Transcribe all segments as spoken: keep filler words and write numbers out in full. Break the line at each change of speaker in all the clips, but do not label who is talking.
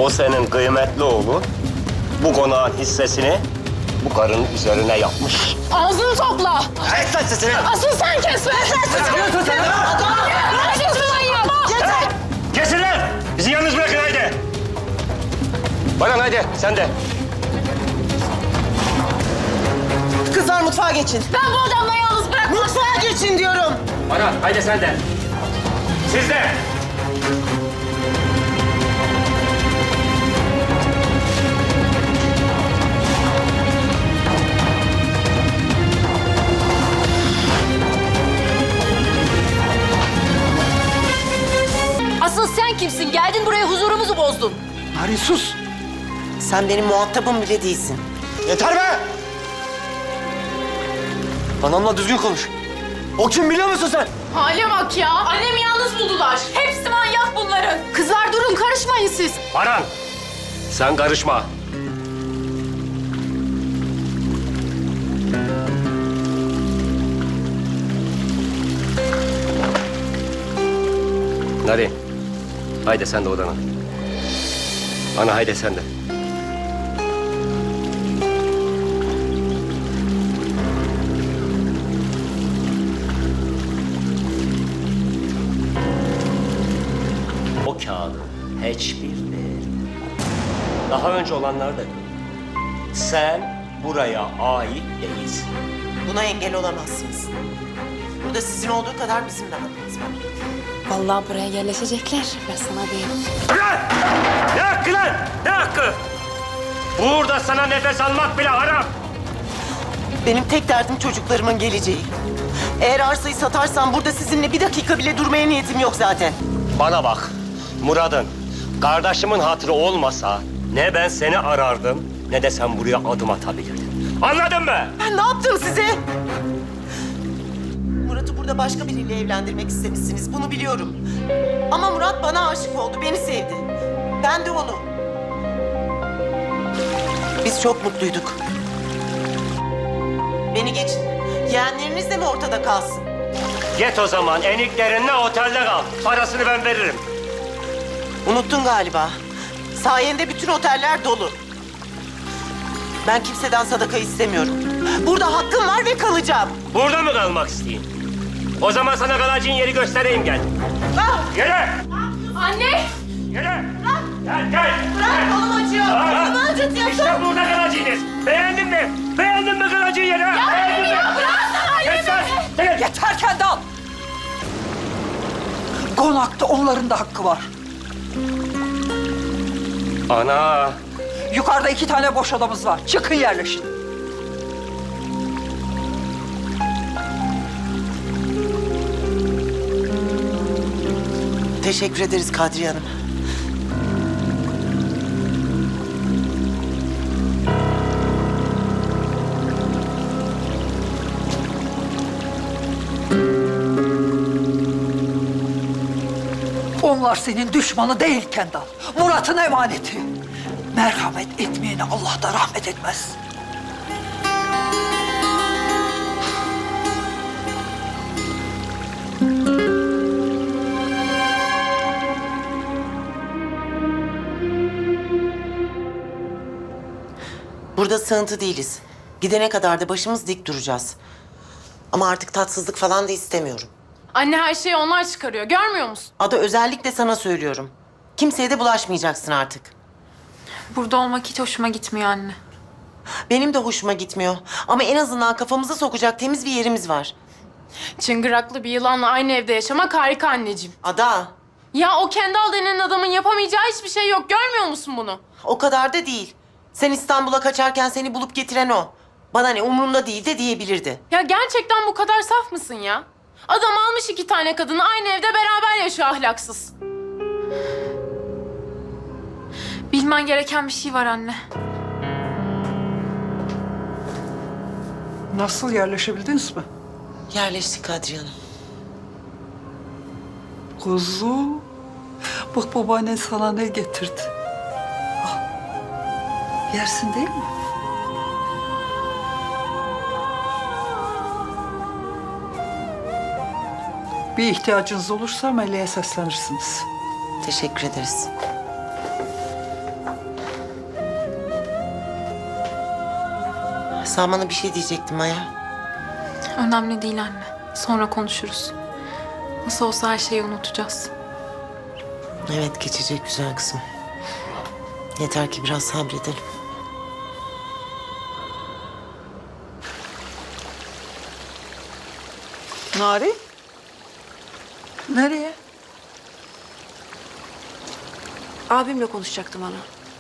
O senin kıymetli oğlu bu konağın hissesini bu karının üzerine yapmış.
Ağzını topla.
Evet lan sesini.
Asıl sen kes be. Ne yapıyorsun manyak? Yeter.
Kesin lan! Bizi yalnız bırakın haydi. Baran haydi sen de.
Kızlar mutfağa geçin.
Ben bu adamla yalnız bırakmam.
Mutfağa geçin diyorum.
Baran haydi sen de. Siz de.
Asıl sen kimsin? Geldin buraya huzurumuzu bozdun.
Narin sus. Sen benim muhatabım bile değilsin.
Yeter be! Anamla düzgün konuş. O kim biliyor musun sen?
Hale bak ya. Annemi yalnız buldular. Hepsi manyak bunların. Kızlar durun, karışmayın siz.
Baran! Sen karışma. Narin, haydi sen de odana. Ana haydi sen de. O kağıdın hiçbir değeri. Daha önce olanlar da gördüm. Sen buraya ait değilsin.
Buna engel olamazsınız. Burada sizin olduğu kadar bizim de hakkımız var.
Vallahi buraya yerleşecekler. Ben sana diyeyim.
Lan! Ne hakkı lan? Ne hakkı? Burada sana nefes almak bile haram.
Benim tek derdim çocuklarımın geleceği. Eğer arsayı satarsam burada sizinle bir dakika bile durmaya niyetim yok zaten.
Bana bak, Murad'ın, kardeşimin hatırı olmasa ne ben seni arardım ne de sen buraya adım atabilirdin. Anladın mı?
Ben ne yaptım size? Murat'ı burada başka biriyle evlendirmek istemişsiniz, bunu biliyorum. Ama Murat bana aşık oldu, beni sevdi. Ben de onu. Biz çok mutluyduk. Beni geçin. Yeğenleriniz de mi ortada kalsın?
Git o zaman eniklerinle otelde kal. Parasını ben veririm.
Unuttun galiba. Sayende bütün oteller dolu. Ben kimseden sadaka istemiyorum. Burada hakkım var ve kalacağım.
Burada mı kalmak isteyeyim? O zaman sana kalacağın yeri göstereyim gel.
Ah!
Yürü!
Anne!
Yürü! Gel gel!
Bırak, kolum acıyor. Kolumu acıtıyorsun.
İşte burada kalacaksınız. Beğendin mi? Beğendin mi kalacağın yeri? ha? Beğendin mi? Kes lan! Gel.
Yeter Kendal! Konakta onların da hakkı var.
Ana!
Yukarıda iki tane boş odamız var. Çıkın yerleşin.
Teşekkür ederiz Kadriye Hanım.
Onlar senin düşmanı değil Kendal. Murat'ın emaneti. Merhamet etmeyene Allah da rahmet etmez.
Burada sığıntı değiliz. Gidene kadar da başımız dik duracağız. Ama artık tatsızlık falan da istemiyorum.
Anne her şeyi onlar çıkarıyor. Görmüyor musun?
Ada özellikle sana söylüyorum. Kimseye de bulaşmayacaksın artık.
Burada olmak hiç hoşuma gitmiyor anne.
Benim de hoşuma gitmiyor. Ama en azından kafamızı sokacak temiz bir yerimiz var.
Çıngıraklı bir yılanla aynı evde yaşamak harika anneciğim.
Ada,
Ya o Kendal denen adamın yapamayacağı hiçbir şey yok. Görmüyor musun bunu?
o kadar da değil. Sen İstanbul'a kaçarken seni bulup getiren o. Bana ne umurumda değil de diyebilirdi.
Ya gerçekten bu kadar saf mısın ya? Adam almış iki tane kadını aynı evde beraber yaşıyor ahlaksız. Bilmen gereken bir şey var anne.
Nasıl yerleşebildiniz mi?
Yerleştik Kadriye Hanım.
Kuzu, bak babaannen sana ne getirdi. Al. Yersin değil mi? Bir ihtiyacınız olursa Meleğe seslenirsiniz.
Teşekkür ederiz. Sen bana bir şey diyecektin Maya.
Önemli değil anne. Sonra konuşuruz. Nasıl olsa her şeyi unutacağız.
Evet, geçecek güzel kızım. Yeter ki biraz sabredelim.
Nari? Nereye?
Abimle konuşacaktım ana.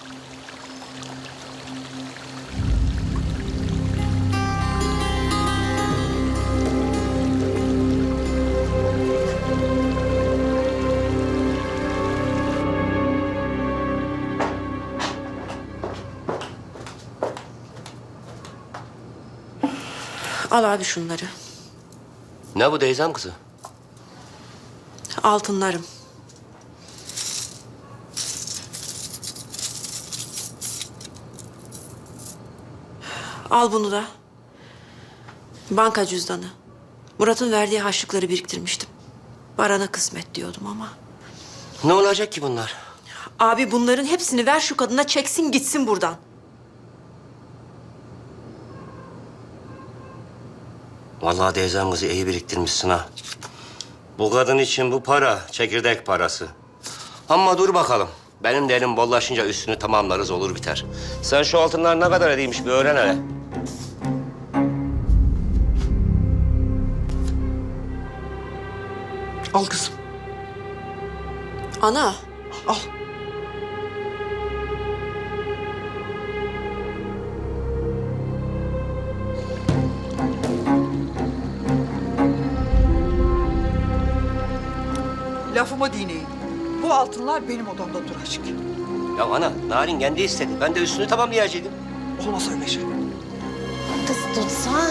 Al abi şunları.
Ne bu teyzem kızı?
Altınlarım. Al bunu da. Banka cüzdanı. Murat'ın verdiği harçlıkları biriktirmiştim. Baran'a kısmet diyordum ama.
Ne olacak ki bunlar?
Abi bunların hepsini ver şu kadına, çeksin gitsin buradan.
Vallahi teyzem kızı iyi biriktirmişsin ha. Bu kadın için bu para çekirdek parası. Ama dur bakalım. Benim de elim bollaşınca üstünü tamamlarız, olur biter. Sen şu altınlar ne kadar edeymiş bir öğren hele.
Al kızım,
Ana,
al. Lafımı dinleyin. Bu altınlar benim odamda duracak.
Ya ana, Narin kendi istedi. Ben de üstünü tamamlayacaktım.
Olmaz öyle şey.
Kız tutsa.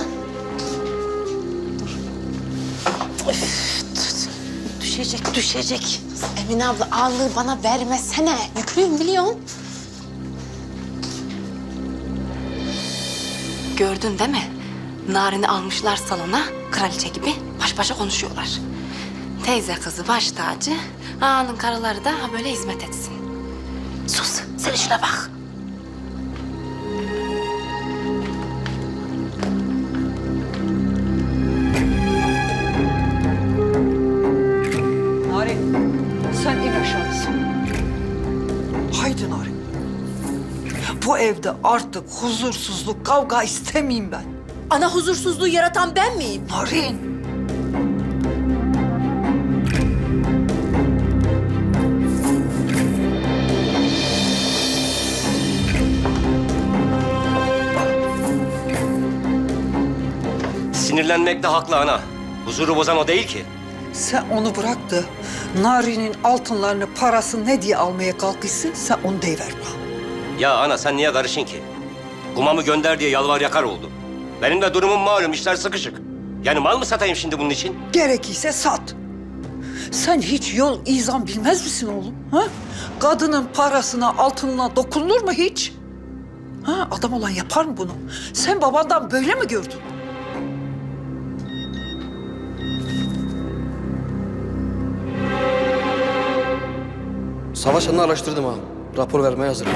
Düşecek, düşecek. Emine abla ağırlığı bana vermesene. Yüklüyüm biliyorsun. Gördün değil mi? Narin'i almışlar salona, kraliçe gibi baş başa konuşuyorlar. Teyze kızı baş tacı, ağanın karıları da ha böyle hizmet etsin. Sus, sen işine bak.
Narin, sen in aşağısın. Haydi Narin. Bu evde artık huzursuzluk, kavga istemeyeyim ben.
ana huzursuzluğu yaratan ben miyim?
Narin.
Sinirlenmekte haklı ana. Huzuru bozan o değil ki.
Sen onu bırak da Nari'nin altınlarını, parası ne diye almaya kalkışsın, sen onu deyiver bana.
Ya ana sen niye karışın ki? Kumamı gönder diye yalvar yakar oldu. Benim de durumum malum, işler sıkışık. Yani mal mı satayım şimdi bunun için?
Gerekirse sat. Sen hiç yol izan bilmez misin oğlum? Ha? Kadının parasına, altınına dokunulur mu hiç? Ha? Adam olan yapar mı bunu? Sen babandan böyle mi gördün?
Savaş anını araştırdım ha. Rapor vermeye hazırım.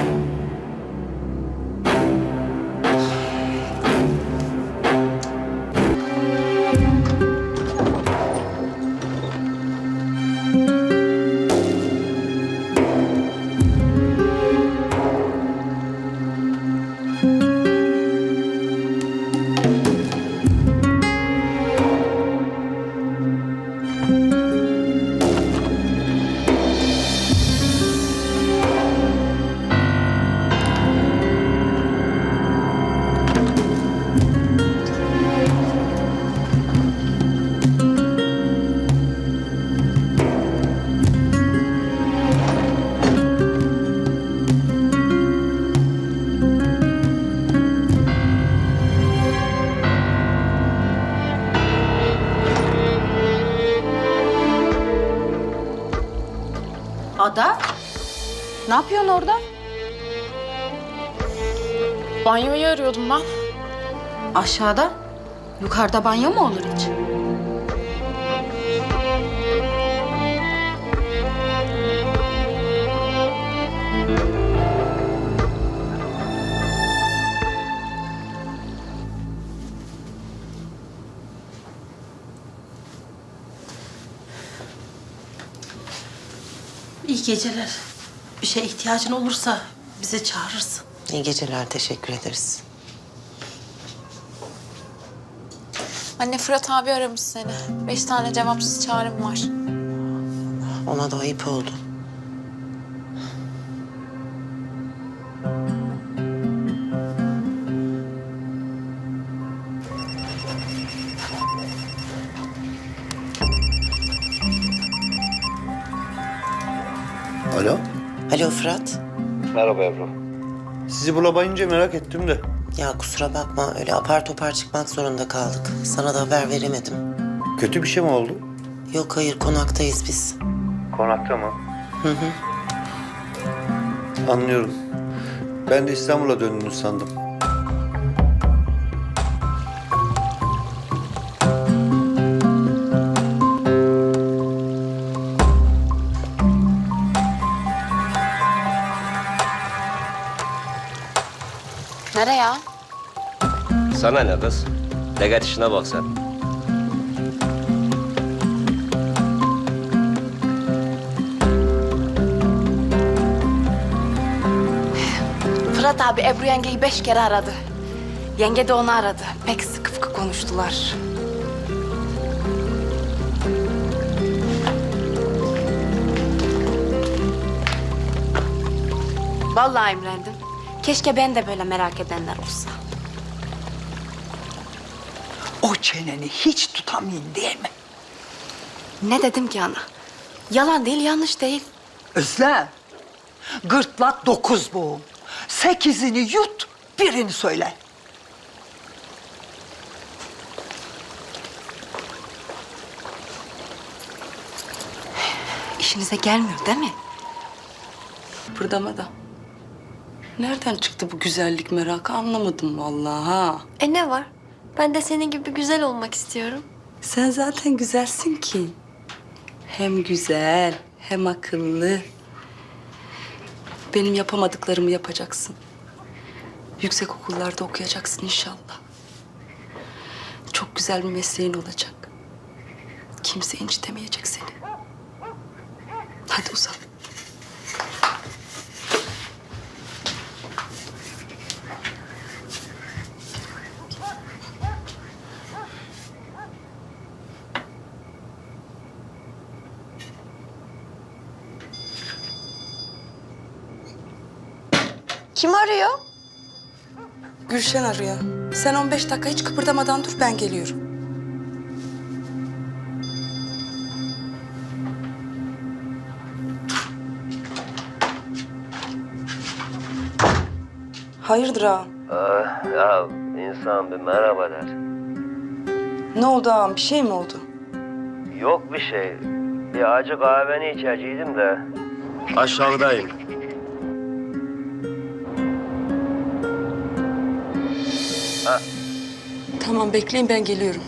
Ada, ne yapıyorsun orada?
Banyoyu arıyordum ben.
Aşağıda. Yukarıda banyo mu olur hiç?
İyi geceler. Bir şeye ihtiyacın olursa bizi çağırırsın.
İyi geceler, teşekkür ederiz.
Anne Fırat abi aramış seni. Beş tane cevapsız çağrım var.
Ona da ayıp oldu.
Alo?
Alo Fırat.
Merhaba Ebru. Sizi bulamayınca merak ettim de.
Ya kusura bakma, öyle apar topar çıkmak zorunda kaldık. Sana da haber veremedim.
Kötü bir şey mi oldu?
Yok hayır, konaktayız biz.
Konakta mı? Hı hı. Anlıyorum. Ben de İstanbul'a döndünüz sandım.
Nereye ya?
Sana ne kız? De git işine bak sen.
Fırat abi Ebru yengeyi beş kere aradı. Yenge de onu aradı. Pek sıkı fıkı konuştular. Vallahi imrendim. Keşke ben de böyle merak edenler olsa.
O çeneni hiç tutamayın değil mi?
Ne dedim ki ana? Yalan değil, yanlış değil.
Özlem, gırtlak dokuz boğum. Sekizini yut, birini söyle.
İşinize gelmiyor değil mi?
Kıpırdama da. Nereden çıktı bu güzellik merakı anlamadım vallahi ha.
E ne var? Ben de senin gibi güzel olmak istiyorum.
Sen zaten güzelsin ki. Hem güzel hem akıllı. Benim yapamadıklarımı yapacaksın. Yüksek okullarda okuyacaksın inşallah. Çok güzel bir mesleğin olacak. Kimse incitemeyecek seni. Hadi uzan.
Kim arıyor?
Gülşen arıyor. Sen on beş dakika hiç kıpırdamadan dur, ben geliyorum. Hayırdır ağam?
ya insan bir merhaba der.
Ne oldu ağam? Bir şey mi oldu?
Yok bir şey. Bir acı kahveni içeceydim de. Aşağıdayım.
Tamam bekleyin, ben geliyorum.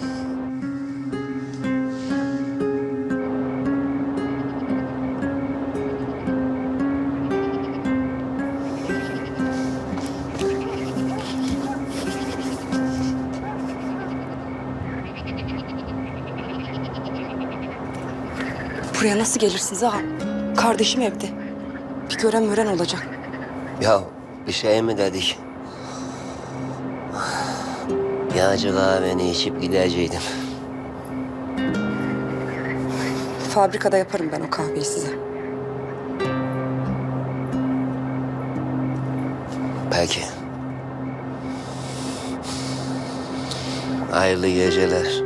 Buraya nasıl gelirsiniz ağam? Kardeşim evde. Bir gören mören olacak.
Ya bir şey mi dedik? Bir acı kahveni içip gideceydim.
Fabrikada yaparım ben o kahveyi size.
Peki. Hayırlı geceler.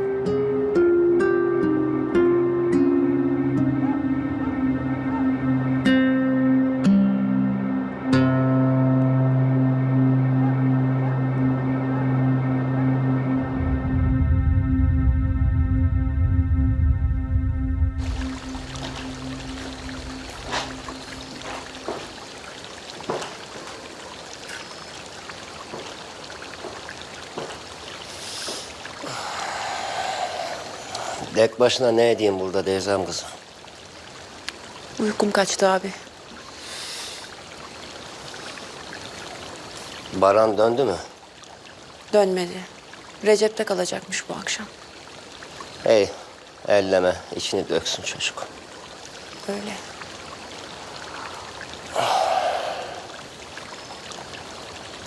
Tek başına ne edeyim burada Deyzem kızım?
Uykum kaçtı abi.
Baran döndü mü?
Dönmedi. Recep'te kalacakmış bu akşam.
Hey, elleme. İçini döksün çocuk.
Öyle.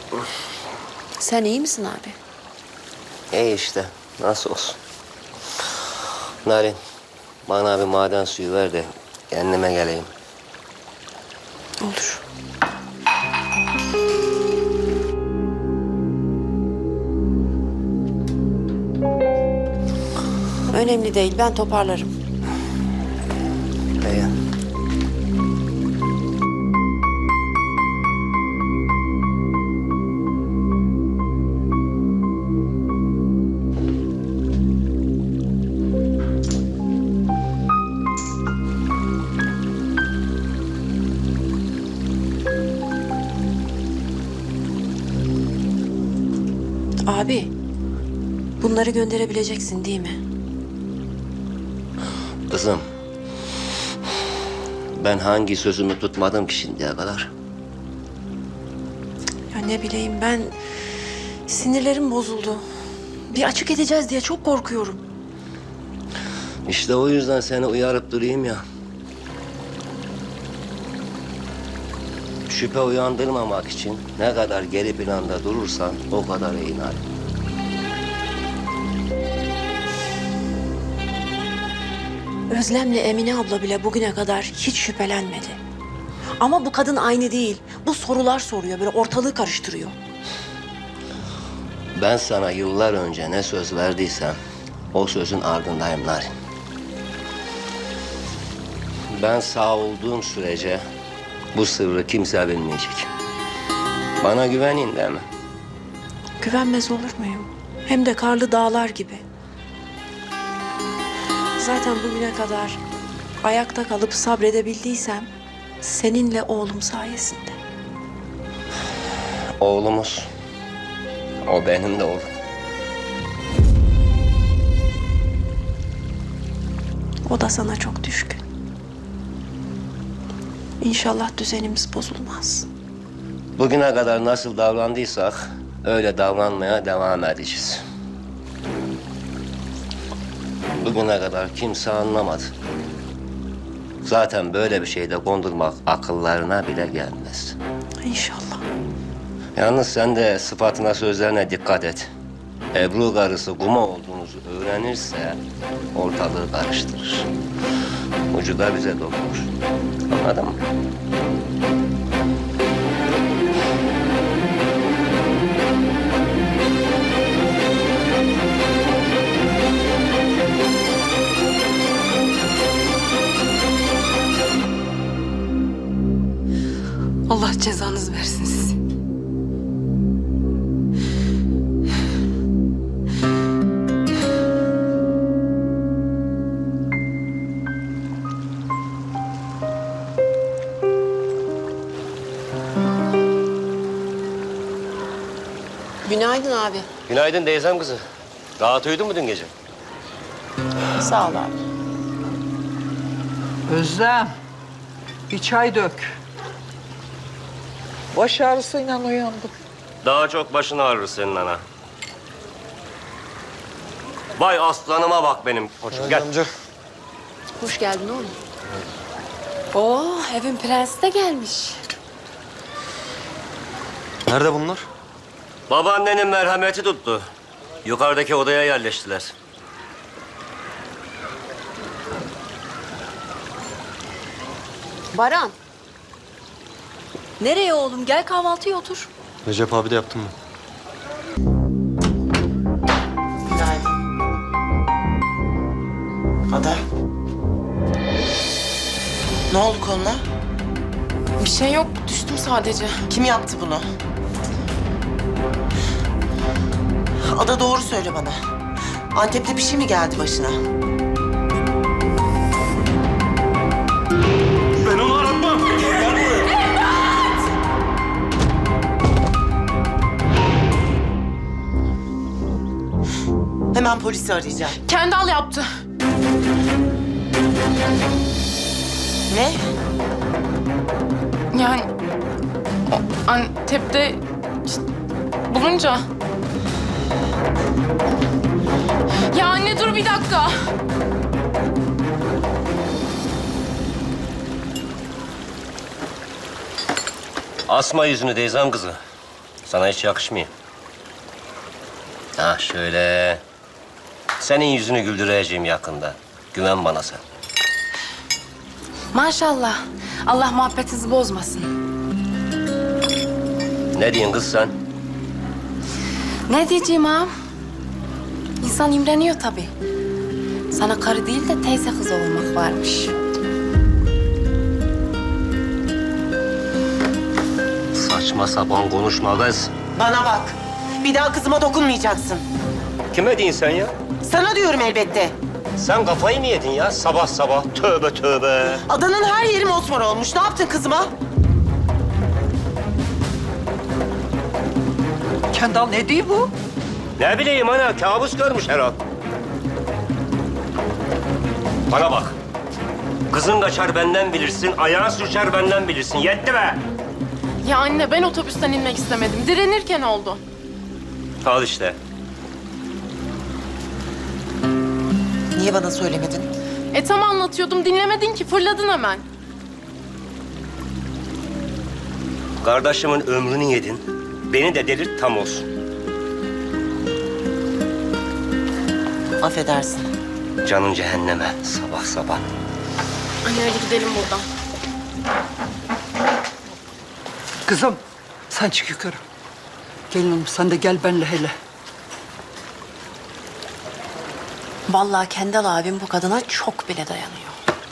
Sen iyi misin abi?
İyi işte. Nasıl olsun. Narin, bana bir maden suyu ver de kendime geleyim.
Olur. Önemli değil, ben toparlarım.
İyi.
Abi, bunları gönderebileceksin değil mi?
Kızım, ben hangi sözümü tutmadım ki şimdiye kadar?
Ya ne bileyim ben, sinirlerim bozuldu. Bir açık edeceğiz diye çok korkuyorum.
İşte o yüzden seni uyarıp durayım ya. Şüphe uyandırmamak için ne kadar geri planda durursan o kadar iyi Narin.
Özlem'le Emine abla bile bugüne kadar hiç şüphelenmedi. Ama bu kadın aynı değil. Bu sorular soruyor, böyle ortalığı karıştırıyor.
Ben sana yıllar önce ne söz verdiysem o sözün ardındayım Narin. Ben sağ olduğum sürece bu sırrı kimse bilmeyecek. Bana güvenin değil mi?
Güvenmez olur muyum? Hem de karlı dağlar gibi. Zaten bugüne kadar ayakta kalıp sabredebildiysem seninle oğlum sayesinde.
Oğlumuz. O benim de oğlum.
O da sana çok düşkün. İnşallah düzenimiz bozulmaz.
Bugüne kadar nasıl davrandıysak öyle davranmaya devam edeceğiz. Bugüne kadar kimse anlamadı. Zaten böyle bir şeyde kondurmak akıllarına bile gelmez.
İnşallah.
Yalnız sen de sıfatına sözlerine dikkat et. Ebru karısı kuma olduğunuzu öğrenirse ortalığı karıştırır. Ucu da bize dokunur. Anladın mı?
Allah cezanızı versin sizi.
Günaydın abi.
Günaydın teyzem kızı. Rahat uyudun mu dün gece?
Sağ ol abi.
Özlem, bir çay dök. Baş ağrısıyla uyandım.
Daha çok başın ağrır senin ana. Vay aslanıma bak benim koçum. Gel.
Amca.
Hoş geldin oğlum.
Oo, evin prensi de gelmiş.
Nerede bunlar?
Babaannenin merhameti tuttu. Yukarıdaki odaya yerleştiler.
Baran. Nereye oğlum? Gel kahvaltıya otur.
Recep abi de yaptım mı?
Günaydın. Ada. Ne oldu koluna?
Bir şey yok, düştüm sadece.
Kim yaptı bunu? Ada doğru söyle bana. Antep'te bir şey mi geldi başına?
Ben onu aratmam.
Hemen polisi arayacağım.
Kendal yaptı.
Ne?
Yani o Antep'te işte bulunca. Ya anne dur bir dakika.
Asma yüzünü teyzem kızı. Sana hiç yakışmıyor. Ha şöyle. Senin yüzünü güldüreceğim yakında. Güven bana sen.
Maşallah. Allah muhabbetinizi bozmasın.
Ne diyorsun kız sen?
Ne diyeceğim ağam? İnsan imreniyor tabii. Sana karı değil de teyze kızı olmak varmış.
Saçma sapan konuşma kız.
Bana bak. Bir daha kızıma dokunmayacaksın.
Kime diyorsun sen ya?
Sana diyorum elbette.
Sen kafayı mı yedin ya sabah sabah? Tövbe tövbe.
Adanın her yeri mosmor olmuş. Ne yaptın kızıma?
Kendal ne diyor bu?
Ne bileyim ana, kabus görmüş herhal. Bana bak. Kızın kaçar benden bilirsin, ayağın sürçer benden bilirsin. Yetti be!
Ya anne ben otobüsten inmek istemedim. Direnirken oldu.
Al işte.
Niye bana söylemedin?
E tam anlatıyordum dinlemedin ki fırladın hemen.
Kardeşimin ömrünü yedin. Beni de delirt tam olsun.
Affedersin.
Canın cehenneme sabah sabah.
Anne hadi gidelim buradan.
Kızım sen çık yukarı. Gelin hanım sen de gel benle hele.
Vallahi Kendal abim bu kadına çok bile dayanıyor.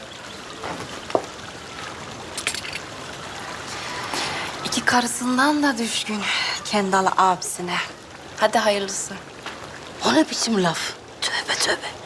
İki karısından da düşkün Kendal abisine. Hadi hayırlısı.
O ne biçim laf? Tövbe tövbe.